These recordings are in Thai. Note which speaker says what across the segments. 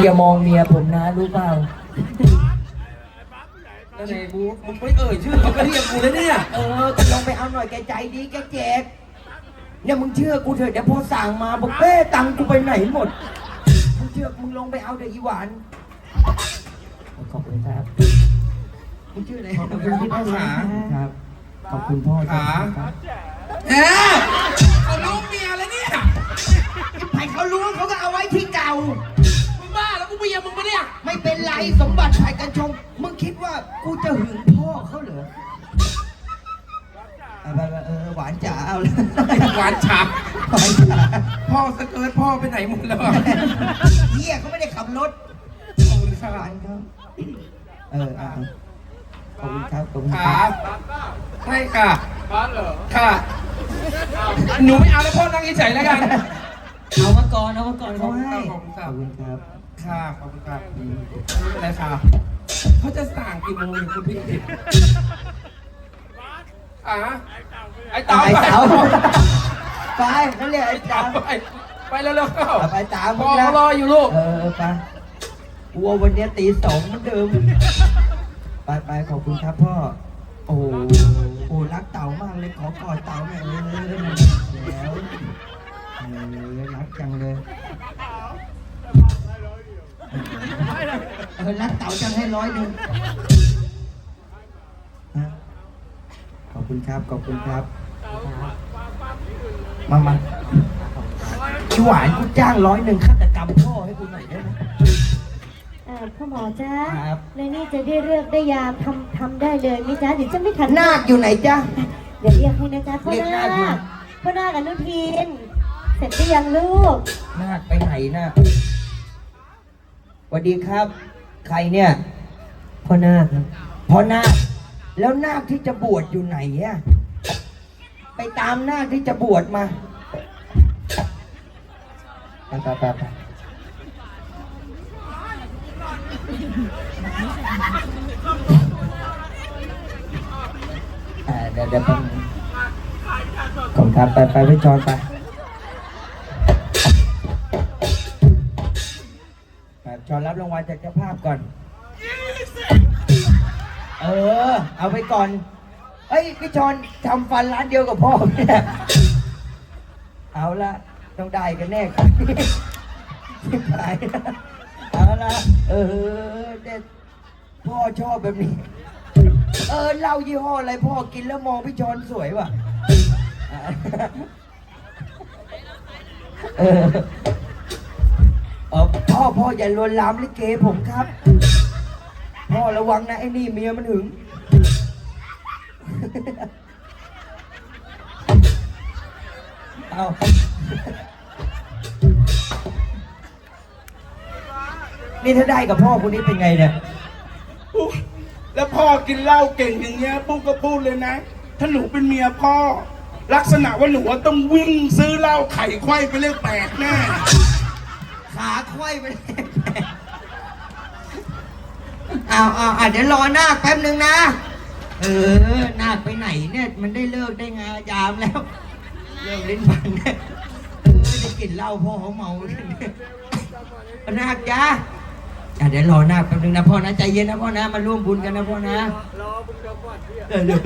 Speaker 1: อย่ามองเมียผมนะรู้เปล่า
Speaker 2: แล้วไหนบูมึงไม่เอ่ยชื่อเขาก็เรียกกูเลยเนี่ย
Speaker 1: ก็ลองไปเอาหน่อยแกใจดีแกแจกเนี่ยมึงเชื่อกูเถอะเดี๋ยวพอสั่งมาบอกเป้ตังกูไปไหนหมดมึงเชื่อมึงลงไปเอาเดี๋ยวอีหวานขอบคุณครับมึงชื่ออะไรขอบคุณพี่พ่อขาครับขอบคุณพ่อขา
Speaker 2: เขารู้เมียแล้วเนี่ย
Speaker 1: ไผ่เขารู้เขาก็เอาไว้ที่เก่า
Speaker 2: มึงบ้าแล้วกูเมียมึงปะเนี่ย
Speaker 1: ไม่เป็นไรสมบัติฝ่ายกันชงมึงคิดว่ากูจะหึงพ่อเขาเหรอหวานจ๋าเอาเลย
Speaker 2: หวานฉ่ำพ่อสเกิร์ตพ่อไปไหนหมดแล้ว
Speaker 1: เฮียเขาไม่ได้ขับรถ
Speaker 2: ขอบคุณครับ
Speaker 1: ขอบคุณครับขอบคุณครับ
Speaker 2: ใช่ค่ะบ้านเหรอค่ะหนูไม่เอาแล้วพ่อนั่งเฉยๆแล้วกัน
Speaker 1: เอามาก่อนเขาให้
Speaker 2: ขอบคุณครับ
Speaker 1: ค่ะ
Speaker 2: ขอบคุณครับไม่เป็นไรค่ะเขาจะสั่งกี่โมงคุณพี่ติดไอ้เต๋าไป
Speaker 1: เขาเรียกไอ้เต๋า
Speaker 2: ไปแล้วๆเข้า
Speaker 1: ไปตาม
Speaker 2: พ่อรออยู่ลูก
Speaker 1: ไปวัววันนี้ตี2เหมือนเดิมไปขอบคุณครับพ่อโอ้รักเต่ามากเลยขอกอดเต่าหน่อยแล้วรักจังเลยรักเต่าจังให้100ขอบคุณครับมาอีหวานกูจ้าง100ฆาตกรรมพ่อให้กูหน่อยได้ไหม
Speaker 3: พ่อหมอจ้าในนี่จะได้เลือกได้ยามทำได้เลยมิจ้าเดี๋ยวจะไม่ทัน
Speaker 1: นาคอยู่ไหนจ้า
Speaker 3: เดี๋ยวเรียกให้นะจ้าพ่อนาคอนุทินเสร็จหรือยังลูก
Speaker 1: นาคไปไหนนาคสวัสดีครับใครเนี่ยพ่อนาคแล้วนาคที่จะบวชอยู่ไหนอะไปตามนาคที่จะบวชมาไปเดี๋ยวผมทำไปพี่จอนไปจอนรับรางวัลจากเจ้าภาพก่อนเอาไปก่อนพี่จอนทำฟันร้านเดียวกับพ่อเนี่ยเอาละต้องได้กันแน่ครับที่ไหนเอาละเด็ดพ่อชอบแบบนี้เหล้ายี่ห้ออะไรพ่อกินแล้วมองพี่จอนสวยว่ะพ่ออย่าลวนลามลิเกผมครับพ่อระวังนะไอ้นี่เมียมันหึงเอานี่ถ้าได้กับพ่อคนนี้เป็นไงเนี่ย
Speaker 2: แล้วพ่อกินเหล้าเก่งอย่างเงี้ยปุ๊กก็พูดเลยนะถ้าหนูเป็นเมียพ่อลักษณะว่าหนูต้องวิ่งซื้อเหล้าไข่ไขว้ไปเลข8แน่
Speaker 1: ขาไขว้ไปเลข8เอาเดี๋ยวรอนาคแป๊บนึงนะนาคไปไหนเนี่ยมันได้เลิกได้งายามแล้วเลิกลิ้นพันเนี่ยได้กินเหล้าพ่อเขาเมานาคจ้าเดี๋ยวรอนาคแป๊บนึงนะพ่อนะใจเย็นนะพ่อนะมาร่วมบุญกันนะพ่อนะรอบุญกับก่อนเดี๋ยว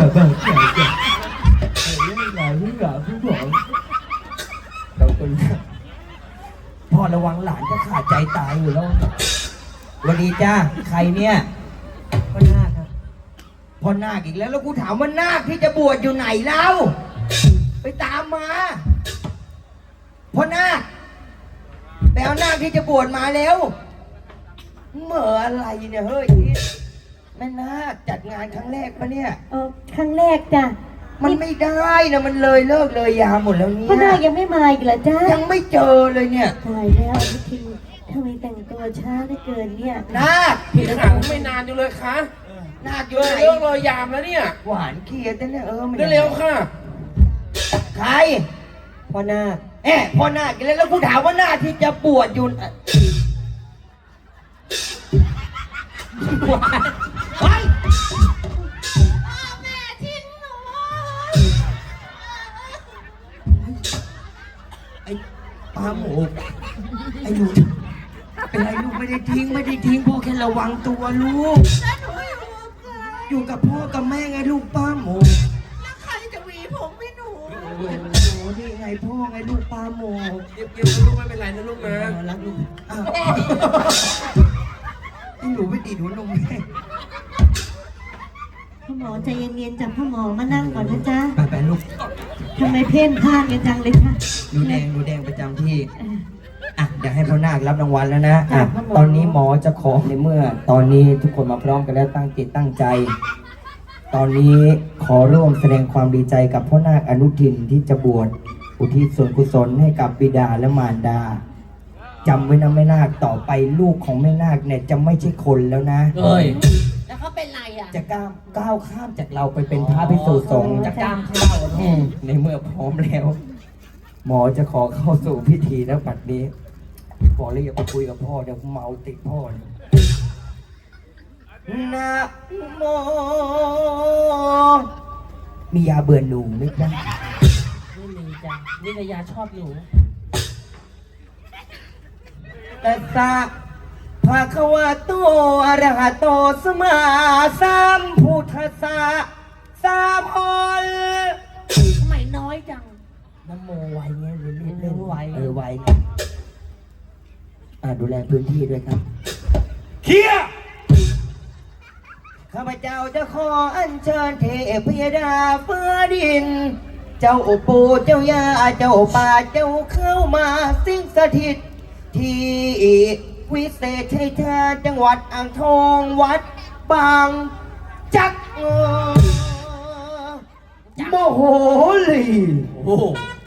Speaker 1: พ่อระวังหลานจะขาดใจตายอยู่แล้ววันนี้จ้าใครเนี่ยพ่อนาคครับพ่อนาคอีกแล้วกูถามว่านาคที่จะบวชอยู่ไหนแล้วไปตามมาพ่อนาคไปเอานาคที่จะบวชมาแล้วเหม่ออะไรเนี่ยเฮ้ยแม่นาคจัดงานครั้งแรกปะเนี่ย
Speaker 3: ครั้งแรกจ้ะ
Speaker 1: มันไม่ได้นะมันเลยเลิกเลยยามหมดแล้วเนี่ย
Speaker 3: พ่อนาคยังไม่มาอีกเหรอจ้า
Speaker 1: ยังไม่เจอเลยเนี่ย
Speaker 3: ตายแล้วพี่ทิงทำไมแต่งตัวช้าได้เกินเนี่ย
Speaker 1: นาค
Speaker 2: พี่หาไม่นานอยู่เลยคะ
Speaker 1: นาคอยู่ไหน
Speaker 2: เลิกเลยยามแล้วเนี่ย
Speaker 1: หวานเคียดเนี่ย
Speaker 2: เร็วค่ะ
Speaker 1: ใครพ่อนาคพ่อนาคแล้วกูถามว่านาคที่จะบวชอยู่
Speaker 3: พ่อแม่ทิ้งหนู
Speaker 1: ไอ้ปลาหมูไอ้หนูเป็นไรลูกไม่ได้ทิ้งพ่อแค่ระวังตัวลูก
Speaker 4: แล้วหนูอยู่กับใคร
Speaker 1: อยู่กับพ่อกับแม่ไงลูกป้าโม
Speaker 4: แล้วใครจะหวีผมให้หนู
Speaker 1: โอ้นี่ไงพ่อไงลูกป้าโม
Speaker 5: เก็บๆนะลูกไม่เป็นไรนะลูกนะ
Speaker 1: รักลูกอ้าวหนูไม่ตีหัวนมแม่
Speaker 3: พ่อหมอใจเย็นๆจับพ่อหมอมานั่งก่อนนะจ๊ะ
Speaker 1: ไปลูก
Speaker 3: ทำไมเพ่นพ่านกันจังเลยคะ
Speaker 1: หนูแดงประจำที่
Speaker 3: เออ
Speaker 1: อ่ะเดี๋ยวให้พ่อนาครับรางวัลแล้วนะอ่ะ
Speaker 3: ครับผม
Speaker 1: ตอนนี้หมอจะขอในเมื่อ ตอนนี้ทุกคนมาพร้อมกันแล้วตั้งจิตตั้งใจ ตอนนี้ขอร่วมแสดงความดีใจกับพ่อนาคอนุทินที่จะบวชอุทิศส่วนกุศลให้กับบิดาและมารดาจำไว้นะแม่นาคต่อไปลูกของแม่นาคเนี่ยจะไม่ใช่คนแล้วนะ
Speaker 5: เอ้ย
Speaker 4: แล้วเขาเป็นไรอ่ะ
Speaker 1: จะก้าวข้ามจากเราไปเป็นพระภิกษุสงฆ์
Speaker 5: จะกล้ามเข้า
Speaker 1: ในเมื่อพร้อมแล้ว หมอจะขอเข้าสู่พิธีแล้วบัดนี้บอกเลยอย่าไปคุยกับพ่อเดี๋ยวเมาติดพ่อเลยนะโมมียาเบื่อหนูไหมจ๊ะ
Speaker 5: ไม่มีจ้ะวิทยาชอบหนู
Speaker 1: ตัสสะภะคะวะโตอะระหะโตสัมมาสัมพุทธัสสะสามพล
Speaker 4: ทำไมน้อยจัง
Speaker 1: น้ำโมไวเงี้ยเล่น
Speaker 5: ไว
Speaker 1: ไวดูแลพื้นที่ด้วยครับ
Speaker 2: เคลียร์
Speaker 1: ข้าพเจ้าจะขออัญเชิญเทพยดาฟ้าดิน เจ้าปู่เจ้าย่าเจ้าป่าเจ้าเข้ามาสิงสถิต ที่วิเศษชัยชาญจังหวัดอ่างทองวัดบางจักโมโหลี
Speaker 5: โอ้โห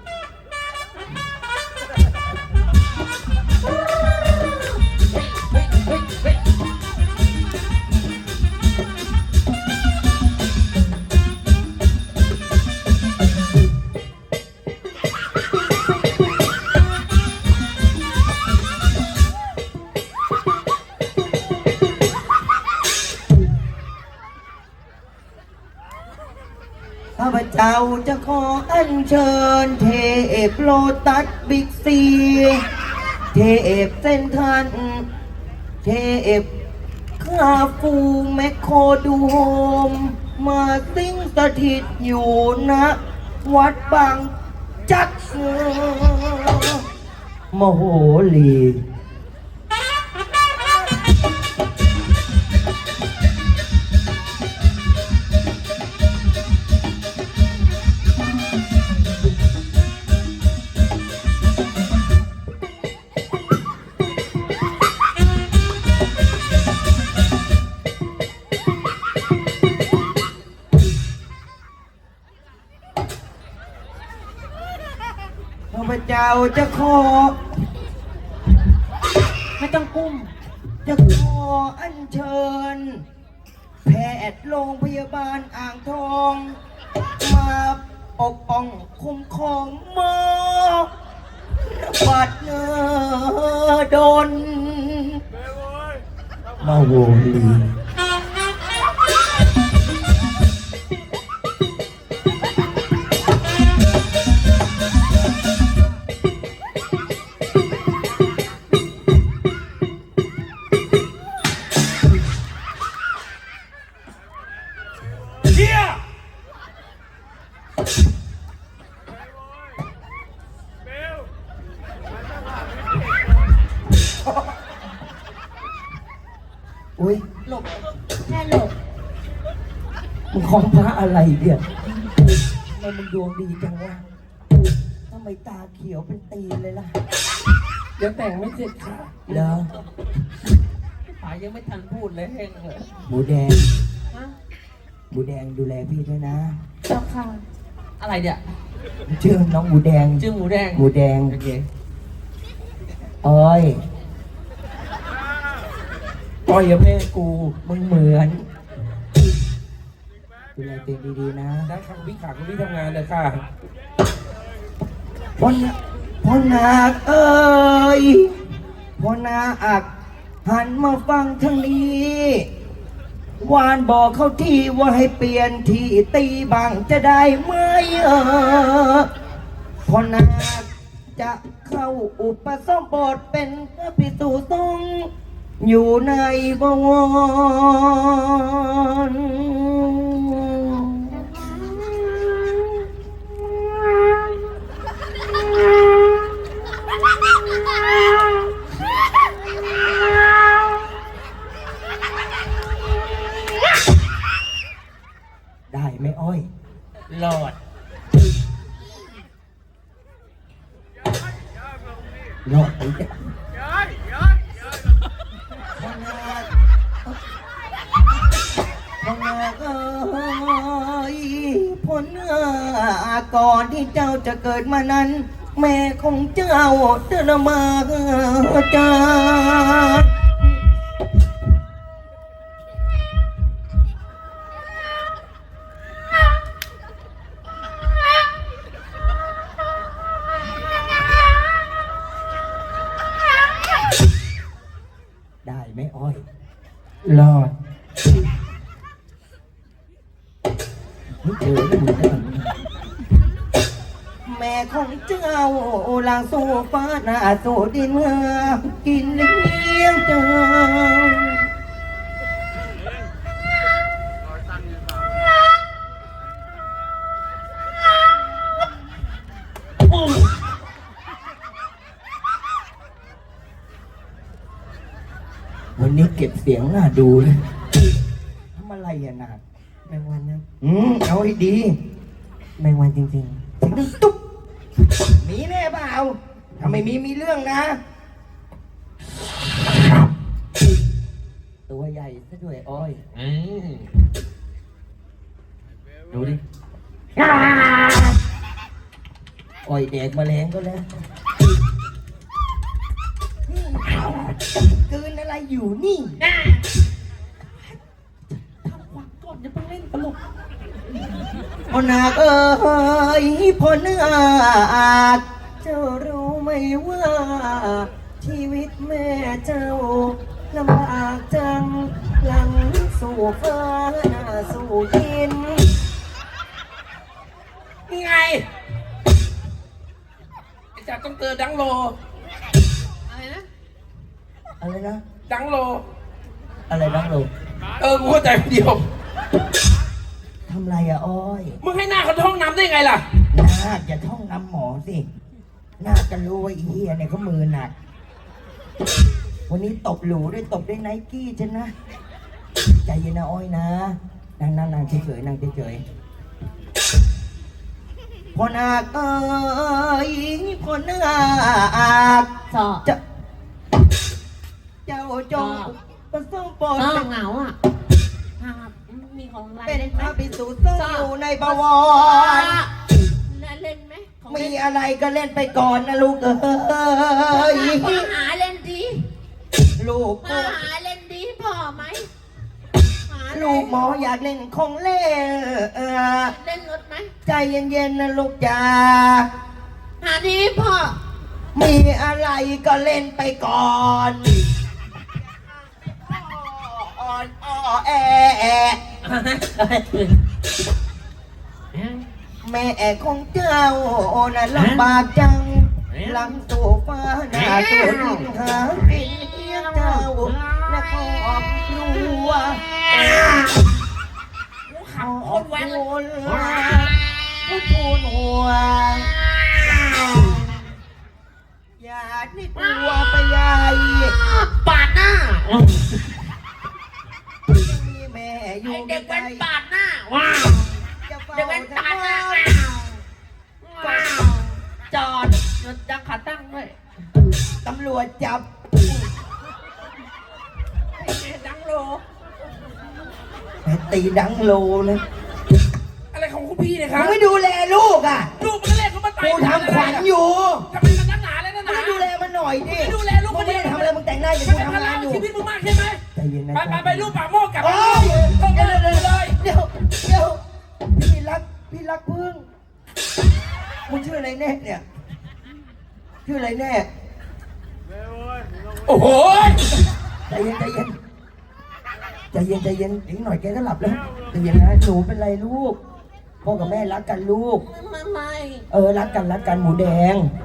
Speaker 1: ข้าพเจ้าจะขออัญเชิญเทพโลตัสบิ๊กซีเทพเส้นทันเทพข้าฟูแมคโครดูโฮมมาสิงสถิตอยู่ณวัดบางจักมโหลี ข้าพเจ้าจะขอ
Speaker 4: ไม่ต้องกุ้ม
Speaker 1: จะขออัญเชิญ แพทย์โรงพยาบาลอ่างทอง มาปกป้องคุ้มครองหมอบัดเนดนมาโวลี
Speaker 2: เคลียร์
Speaker 1: อุ้ย
Speaker 4: หลบแค่หลบ
Speaker 1: มึงของพระอะไรเนี่ยทำไมมึงดวงดีจังวะทำไมตาเขียวเป็นตีนเลยล่ะ
Speaker 5: ยังแต่งไม่เสร็จค่ะ
Speaker 1: เหรอ
Speaker 5: ป๋ายังไม่ทันพูดเลยแห้งเลย
Speaker 1: หมูแดง
Speaker 4: ฮะ
Speaker 1: หมูแดงดูแลพี่ด้วยนะ
Speaker 4: เจ้าค่ะ
Speaker 5: อะไรเนี่ย
Speaker 1: ชื่อน้องหมูแดง
Speaker 5: ชื่อหมูแดง
Speaker 1: หมูแดง
Speaker 5: โอเค
Speaker 1: อ้อยอ้อยกับแม่กูมึงเหมือนดูแลตัวเองดีๆนะ
Speaker 5: ได้ครับพี่ขาคุณพี่ทำงานเลยค่ะ
Speaker 1: พ่อนาคเอ้ยพ่อนาคหันมาฟังทางนี้วานบอกเขาที่ว่าให้เปลี่ยนที่ตีบังจะได้ไหมพ่อนาคจะเข้าอุปสมบทเป็นพระภิกษุสงฆ์อยู่ในบวรได้ไหมอ้อย
Speaker 5: หลอด
Speaker 1: รอดไปจ้ะพนาเอ้ยผลก่อนที่เจ้าจะเกิดมานั้น แม่ของเจ้าเดินมาจ้าได้ไหมอ้อย
Speaker 5: หลอด
Speaker 1: เจอไม่เหมือนกันแม่ของเจ้าลางสู่ฟ้าหน้าสู่ดินเมื่อกินเลี้ยงเจ้าวันนี้เก็บเสียงน่าดูเลยทำอะไรอ่ะนา
Speaker 5: แมงวันนะ
Speaker 1: เอาให้ดี
Speaker 5: แมงวันจริง
Speaker 1: ถึงได้ตุ๊บมีแน่เปล่าถ้าไม่มีเรื่องนะ ตัวใหญ่ซะด้วยอ้อย
Speaker 5: ๆดูดิ
Speaker 1: อ้อยแดกแมลงก็แล้วกลืนอะไรอยู่นี่
Speaker 5: ก่อนจะไปเล่นตลก
Speaker 1: พ่อนาคเอ้ยพ่อเนื้ออาจเจ้ารู้ไหมว่า ชีวิตแม่เจ้าลำบากจังหลังสู่ฟ้าหน้าสู่ดิน
Speaker 5: ไงไอ้จ่าต้องเจอดังโล อะไรนะ
Speaker 1: อะไรนะ
Speaker 5: ดังโล
Speaker 1: อะไรบ้างลูก
Speaker 5: กูเข้าใจคนเดียว
Speaker 1: ทำไรอะอ้อย
Speaker 5: มึงให้หน้าเขาท้องน้ำได้ไงล่ะ
Speaker 1: นาคอย่าท่องนำหมอสินาคจะรู้ว่าอีเหี้ยเนี่ยเขามือหนัก วันนี้ตบหลูด้วยตบด้วยไนกี้ฉันนะ ใจเย็นนะอ้อยนะนั่งเฉยๆนั่งเฉยๆพ่อนาคเอ้ยพ่อนาค
Speaker 4: สอ
Speaker 1: จะเจ้าจงประสงค์โปรด
Speaker 4: สอ
Speaker 1: เป็น
Speaker 4: เหงาอ่ะมีของอะไร
Speaker 1: เป็น
Speaker 4: เล่น
Speaker 1: พ
Speaker 4: ไหม
Speaker 1: ระภิกษุต้องอยู่ในบวร
Speaker 4: เล่นไหมของ
Speaker 1: มี
Speaker 4: เล่น
Speaker 1: อะไรก็เล่นไปก่อนนะลูกเอ้ย
Speaker 4: พ่อหาเล่นดี
Speaker 1: ลูก
Speaker 4: พ่อหาเล่นดีพ่อไหมหาเน
Speaker 1: ลูกหมออยากเล่นของเล่น
Speaker 4: เล่นรถไหม
Speaker 1: ใจเย็นๆนะลูกจ๋า
Speaker 4: หาดีพ่อ
Speaker 1: มีอะไรก็เล่นไปก่อนอ่อนแอแม่ของเจ้าน่ะลำบากจังหลังสู่ฟ้าหน้าสู่ดินหากินเลี้ยงเจ้าและครอบครัวขอบคุณผู้ทูลหัวอย่าได้กลัวไปใหญ่
Speaker 4: ปาดหน้า
Speaker 1: มีแม่อยู่
Speaker 4: ไอเด็ก
Speaker 1: ใก
Speaker 4: เป็
Speaker 1: ล้
Speaker 4: นปาดหน้าว้าว
Speaker 1: จะเฝ้า
Speaker 4: เด็กเป็น
Speaker 1: จะ
Speaker 4: ปาดหน้า
Speaker 1: เฝ้า
Speaker 4: ว้าวจอดรถจักรขาตั้งด้วย
Speaker 1: ตำรวจจับ
Speaker 4: ดังโล
Speaker 1: ตีดังโลเลย
Speaker 5: อะไรของคุณพี่เนี่ยค
Speaker 1: มึ
Speaker 5: รับ
Speaker 1: งไม่ดูแลลูกอ่ะ
Speaker 5: ลูกมันก็เล่นเขามาตาย
Speaker 1: กูทำขวัญอยู่
Speaker 5: ทำไมมันนักหนาเลยนะห
Speaker 1: มึ
Speaker 5: นาง
Speaker 1: ดูแลมันหน่อยดิ
Speaker 5: ไม่ดูแลลูก
Speaker 1: มึงไม่ได้ทำอะไรมึงแต่งหน้าอย่าง
Speaker 5: มัน
Speaker 1: กู
Speaker 5: เป็นภา
Speaker 1: ทำ
Speaker 5: ระ
Speaker 1: งานอยู่
Speaker 5: ชีวิตมึงมากใช่ไหม
Speaker 1: ใจเย็นนะ
Speaker 5: ไปลูกปากโม่กลับ
Speaker 1: โอ้
Speaker 5: มาย ต้อง
Speaker 1: เดี๋ยว
Speaker 5: เดินเลย
Speaker 1: เดี๋ยวพี่รักพึ่งมึงชื่ออะไรแน่เนี่ยชื่ออะไรแน่
Speaker 5: โอ้โห
Speaker 1: ใจเย็นอีกหน่อยแกก็หลับแล้วใจเย็นนะหนูเป็นไรลูกพ่อกับแม่รักกันลูก
Speaker 4: ไม่
Speaker 1: รักกันหมูแดง